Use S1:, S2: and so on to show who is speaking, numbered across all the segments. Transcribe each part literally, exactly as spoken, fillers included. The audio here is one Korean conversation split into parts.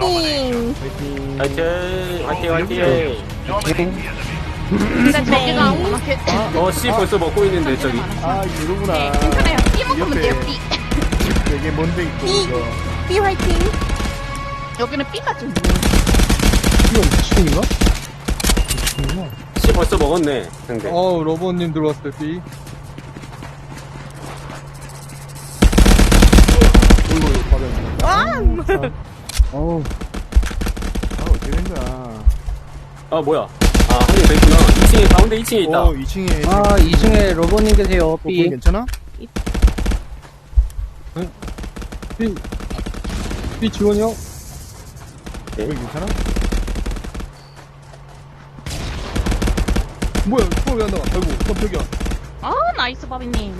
S1: 화이팅!
S2: 파이팅.
S3: 화이팅 화이팅 화이팅.
S4: 근데 저기가 아무나 개...
S3: 어 씨 벌써 먹고 있는데 저기.
S2: 아, 이러구나.
S4: 네, 괜찮아요. B 먹으면 돼요, B.
S2: 되게 먼데 있고,
S1: B.
S2: 이거.
S1: B 화이팅!
S4: 여기는 B가 좀
S2: 이거 미친인가? 미친이구나.
S3: 씨 벌써 먹었네 상대.
S5: 어우, 러버님 들어왔어요, B.
S2: 어이구, 받아야
S1: 와!
S2: 어우. 아, 어떻게 된 거야.
S3: 아 뭐야? 아 한 명 더 있구나. 이 층에 가운데 이 층에 있다.
S2: 어, 이 층에.
S6: 아, 이 층에 로버님 계세요,
S2: 어,
S6: B.
S2: 거기 괜찮아?
S5: B. B 지원이요?
S2: 거기 괜찮아?
S5: 뭐야, 또 왜 안 나와? 아이고, 깜짝이야.
S4: 아, 나이스, 바비님.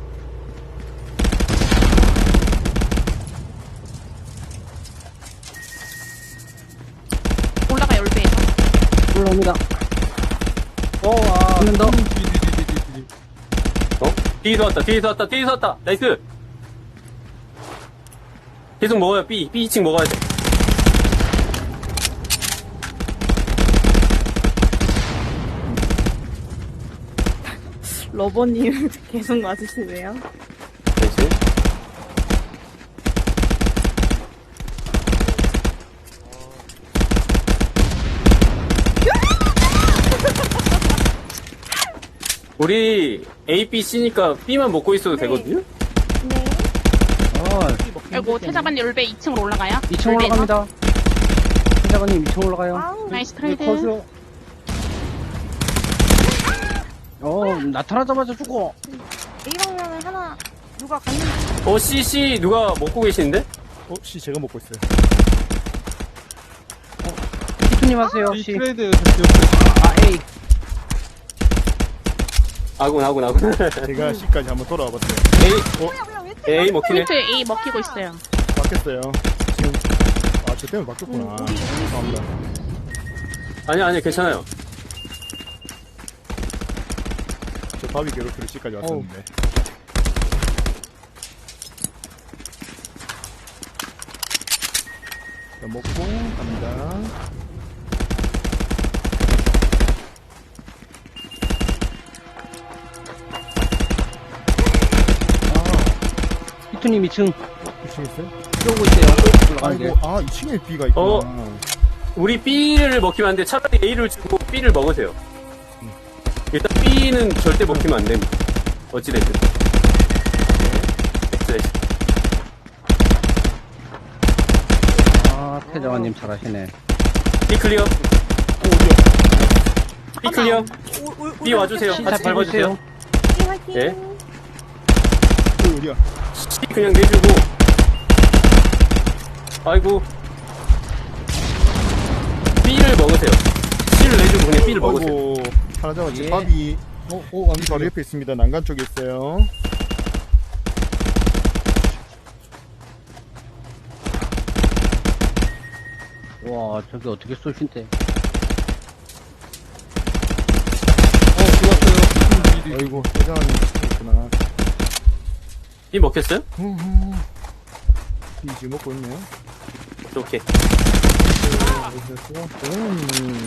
S4: 올라가, 열배에서.
S6: 올라옵니다.
S5: 어, 아.
S6: 한명 더.
S5: 뒤, 뒤, 뒤, 뒤, 뒤, 뒤.
S3: 어? 뒤에서 왔다 뒤에서 왔다 뒤에서 왔다. 나이스. 계속 먹어요. B B 이 층 먹어야 돼.
S1: 러버님 계속 맞으시네요.
S3: 나이스. 우리 A, B, C니까 B만 먹고 있어도
S1: 네.
S3: 되거든요?
S1: 네.
S6: 어,
S4: 그리고 태자반 열배 이 층으로 올라가요.
S6: 이 층 올라갑니다. 회장님 이 층 올라가요.
S1: 아우.
S4: 나이스
S5: 네,
S4: 트레이드.
S5: 컷이요.
S6: 어, 나타나자마자 죽어.
S1: A 방면에 하나 누가 갔는지.
S3: 어, C, C 누가 먹고 계시는데?
S2: 어, 씨, 제가 먹고 있어요.
S6: 피투님 하세요,
S5: B
S6: C.
S5: 트레이드 됐어요.
S6: 아, A.
S3: 아군, 아군, 아군.
S2: 제가 C까지 한번 돌아와 봤어요.
S3: A,
S1: 뭐야 뭐야 왜
S3: A 먹히네.
S4: 포인트 A 먹히고 있어요.
S2: 바뀌었어요. 지금, 아, 저 때문에 바뀌었구나. 죄송합니다.
S3: 아니, 아니, 괜찮아요.
S2: 저 바비 괴롭히러 C까지 왔었는데. 자, 먹고, 갑니다.
S6: 피투님 이 층
S2: 이 층 있어요?
S6: 들어오고 있어요. 올라가는 게.
S2: 아이고, 아, 이 층에 B가 있구나.
S3: 어. 우리 B를 먹히면 안 돼. 차라리 A를 주고 B를 먹으세요. 일단 B는 절대 먹히면 안 됩니다. 어찌됐든. 네.
S6: 아, 태자원님 잘하시네.
S3: B 클리어. B 클리어.
S1: 올- 올-
S3: B 와주세요.
S6: C
S3: 같이
S6: 잘
S3: 밟아주세요.
S1: B 화이팅!
S3: 예.
S2: 어, 어디야?
S3: C 그냥 내주고. 아이고. B를 먹으세요. C를 내주고 그냥 B를 먹으세요.
S2: 아이고, 하나 잡았지.
S6: 예.
S2: 바비,
S5: 어, 어, 안
S2: 이 바로
S5: 돼.
S2: 옆에 있습니다. 난간 쪽에 있어요.
S6: 와, 저기 어떻게 쏘신대.
S5: 어, 들어왔어요. B, D.
S2: 아이고, 대장님 있구나.
S3: B 먹혔어요?
S2: 비 지금 먹고 있네요.
S3: 오케이.
S2: 음.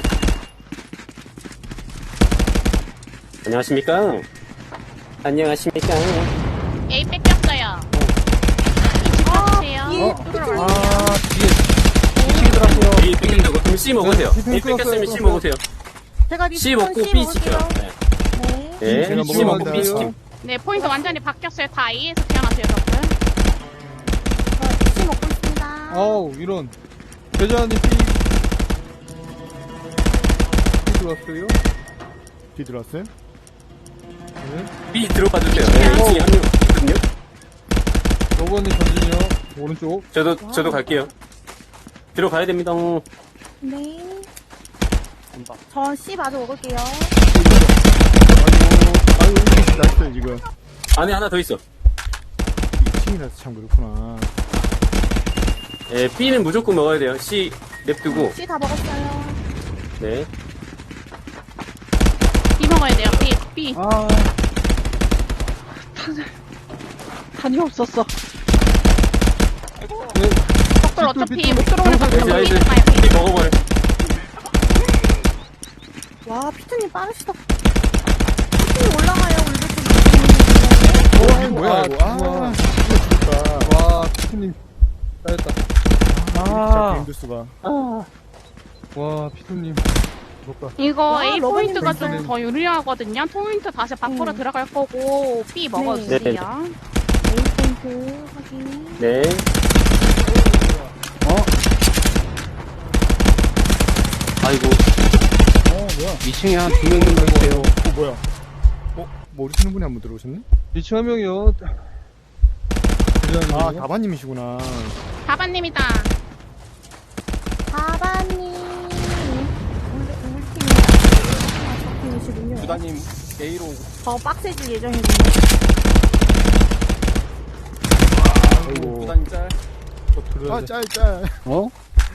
S3: 안녕하십니까? 안녕하십니까?
S4: A 뺏겼어요.
S1: 아,
S4: 주세요.
S1: B
S6: 어?
S1: 들어가요.
S6: 아, 뒤에. 이 층에 들어왔어요.
S3: B 뺏겼다고? 그럼 C 먹으세요.
S5: 네,
S3: A 뺏겼으면 C 먹으세요.
S1: 제가
S3: C
S1: 리스폰
S3: 먹고
S1: C
S3: B 지켜.
S1: 먹을게요.
S3: 네.
S1: 네.
S3: 네.
S2: 제가
S3: C 먹고
S2: 먹으면
S3: B 지켜.
S2: 돼요.
S4: 네, 포인트 완전히 바뀌었어요. 다 A에서 태어나세요, 여러분.
S1: 저 C 먹고 있습니다.
S5: 아우, 이런. 대자님 B. B 들어왔어요.
S2: 비 들어왔어요?
S5: 네.
S3: B 들어가 주세요. 네, 이 층에 한명 있거든요.
S5: 러버님 전진이요. 오른쪽.
S3: 저도 저도 갈게요. 들어가야 됩니다.
S1: 네. 저 C 마저 먹을게요.
S2: 아이고, 아이고, 났어요, 지금.
S3: 안에 하나 더 있어.
S2: 이 층이라서 참 그렇구나.
S3: 예, B는 무조건 먹어야 돼요. C 냅두고.
S1: C 다 먹었어요.
S3: 네.
S4: B 먹어야 돼요. B, B.
S6: 아. 탄, 탄이 없었어.
S5: 네.
S4: 빅돌 어차피
S5: 빅돌,
S4: 못 들어오는 거
S3: 나이스,
S4: 같아서
S3: 나이스.
S4: 삐 가요, 삐.
S3: 삐 먹어버려.
S1: 와, 피트님 빠르시다. 피트님 올라가요, 울베 쪽.
S2: 어, 뭐야, 이거. 아,
S5: 우와.
S2: 진짜.
S5: 와, 피트님. 잘했다.
S2: 아, 게임들 수가.
S5: 와, 피트님.
S2: 부럽다.
S4: 이거
S1: 아,
S4: A
S1: 러버님
S4: 포인트가
S1: 괜찮아요.
S4: 좀 더 유리하거든요. 포인트 다시 밖으로
S1: 음.
S4: 들어갈 거고 B 먹어주세요.
S3: 네.
S1: A 포인트 확인.
S3: 네.
S6: 어?
S3: 아이고.
S2: 어, 뭐야.
S6: 이 층에 한 두 명 있는 거 있어요.
S2: 어, 뭐야. 어, 모르시는 분이 한 분 들어오셨네?
S5: 이 층 한 명이요.
S2: 아, 다바님이시구나.
S4: 다바님이다.
S1: 다바님. 울베, 울팀이. 아, 팀이시군요.
S7: 부다님 A로
S1: 더 빡세질 예정이군요.
S2: 아이고.
S7: 부다님 짤.
S2: 아, 짤, 짤.
S6: 어?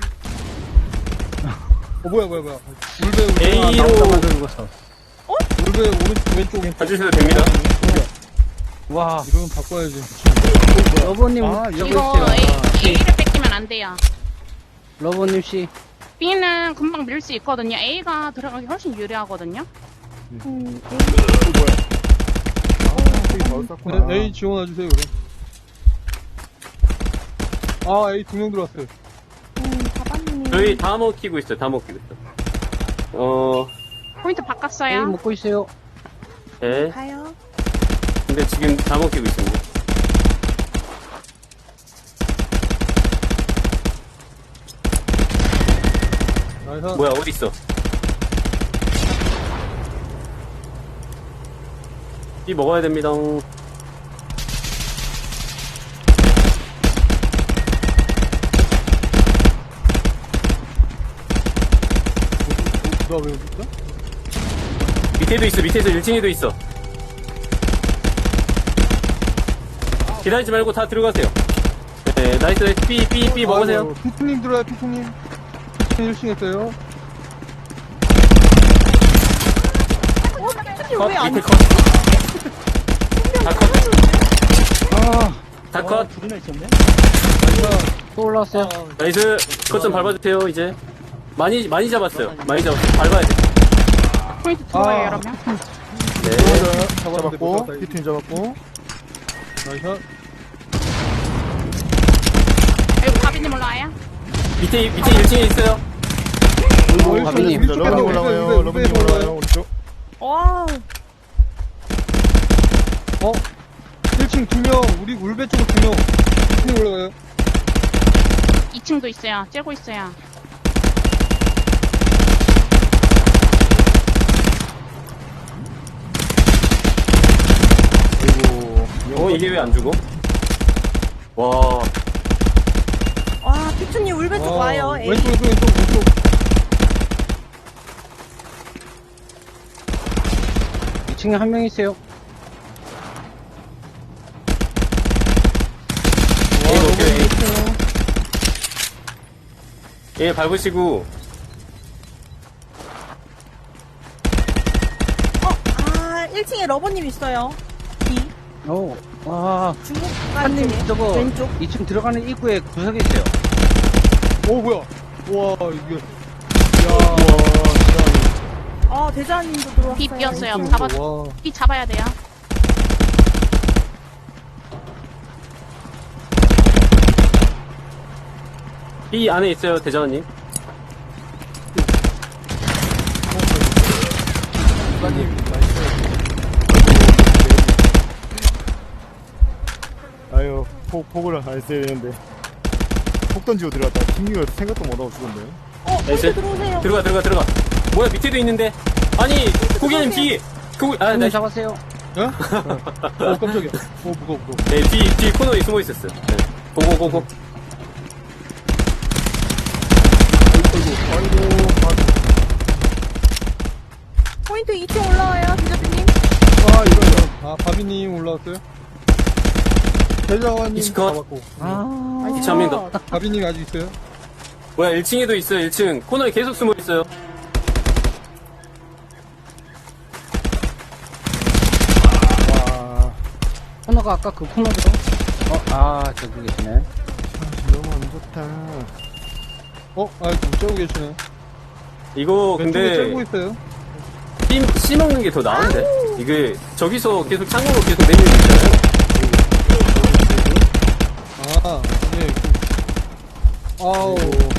S5: 어, 뭐야, 뭐야, 뭐야. 울베, 울베.
S3: A로
S6: 나오자마자 죽었어.
S5: 울베 오른쪽, 왼쪽, 왼쪽.
S3: 봐주셔도 됩니다.
S6: 와,
S5: 이러면 바꿔야지.
S6: 러버님,
S2: 아,
S6: 저기
S4: 이거
S6: 있어요.
S4: A, A를 뺏기면 안 돼요.
S6: 러버님 씨.
S4: B는 금방 밀 수 있거든요. A가 들어가기 훨씬 유리하거든요.
S1: 음,
S2: 어, 뭐야. 아, 되게 바로 쌌구나.
S5: 네, A 지원해주세요, 그럼. 아, A 두 명 들어왔어요.
S1: 음, 다바님이.
S3: 저희 다 먹히고 있어요. 다 먹히고 있어. 어,
S4: 포인트
S6: A
S4: 바꿨어요.
S6: 먹고 있어요.
S3: 네.
S1: 가요.
S3: 근데 지금 다 먹히고 있습니다.
S5: 나이스.
S3: 뭐야, 어디 있어? B 먹어야 됩니다.
S5: 누가 왜 여기 있어?
S3: 밑에도 있어. 밑에서 일 층에도 있어. 기다리지 말고 다 들어가세요. 네, 나이스, 나이스. B, B, B 먹으세요.
S5: 아이고, 피트님 들어와요, 피트님. 피트님 일 층 했어요.
S1: 어, 피트님
S3: 컷,
S1: 왜안
S3: 밑에 컷. 다 컷.
S6: 아,
S3: 다 컷.
S6: 또 올라왔어요.
S3: 나이스. 컷 좀 밟아주세요, 이제. 많이, 많이 잡았어요. 많이 잡았어요. 밟아야 돼.
S4: 포인트 들어와요,
S5: 아.
S4: 여러분.
S3: 네.
S2: 잡았고, 피트님 잡았고.
S5: 나이스.
S4: 여기 다비님 올라와요.
S3: 밑에, 밑에 일 층에 있어요.
S5: 어,
S6: 바비님.
S5: 우리 쪽에
S2: 러브님
S5: 우리
S2: 올라와요.
S5: 쪽에
S2: 러브님
S5: 우리 쪽에
S2: 올라와요. 오른쪽.
S1: 와,
S5: 어? 일 층 두 명, 우리 울베 쪽으로 두 명. 피트님 올라가요.
S4: 이 층도 있어요. 째고 있어요.
S2: 그리고,
S3: 어, 이게 왜 안 죽어? 와,
S1: 와, 피트님 울베 쪽
S5: 아,
S1: 와요. A.
S5: 왼쪽, 왼쪽, 왼쪽, 왼쪽.
S6: 이 층에 한 명 있어요.
S3: A 먹혀요. A 밟으시고,
S1: 어, 아, 일 층에 러버님 있어요. B.
S6: 어, 와.
S1: 중국
S6: 한님
S1: 가는
S6: 저거
S1: 왼쪽.
S6: 이 층 들어가는 입구에 구석에 있어요.
S5: 오, 뭐야. 와, 이게.
S1: 어, 대장님도 들어왔어요.
S4: B 비었어요.
S5: 야,
S4: 잡아,
S5: 와.
S4: B 잡아야 돼요.
S3: B 안에 있어요, 대장님.
S2: 아유, 폭, 폭을 안 써야 되는데. 폭 던지고 들어갔다. 김미가 생각도 못하고 죽었네요.
S1: 어,
S3: 나이스.
S1: 포인트 들어오세요.
S3: 들어가, 들어가, 들어가. 뭐야, 밑에도 있는데. 아니, 고객님 뒤. 그, 아,
S6: 한명
S3: 네.
S6: 잡았어요.
S5: 어? 어, 깜짝이야. 어, 무거워, 무거워.
S3: 네, 뒤, 뒤 코너에 숨어 있었어요. 네. 고고, 고고.
S1: 포인트 이 층 올라와요, 대장님.
S5: 아, 이런. 아, 바비님 올라왔어요? 대장관님
S3: 이치컷.
S5: 잡았고.
S6: 아,
S3: 이치 한 명 더.
S5: 바비님 아직 있어요?
S3: 뭐야, 일 층에도 있어요, 일 층. 코너에 계속 숨어 있어요.
S2: 와.
S6: 코너가 아까 그 코너거든. 어, 아, 저기 계시네.
S2: 너무 안 좋다.
S5: 어? 아, 좀 째고 계시네.
S3: 이거
S5: 왼쪽에
S3: 근데
S5: 째고 있어요.
S3: 씨, 씨 먹는 게 더 나은데? 이게 저기서 계속 창으로 계속 내밀고 있잖아요.
S5: 아, 네. 아우.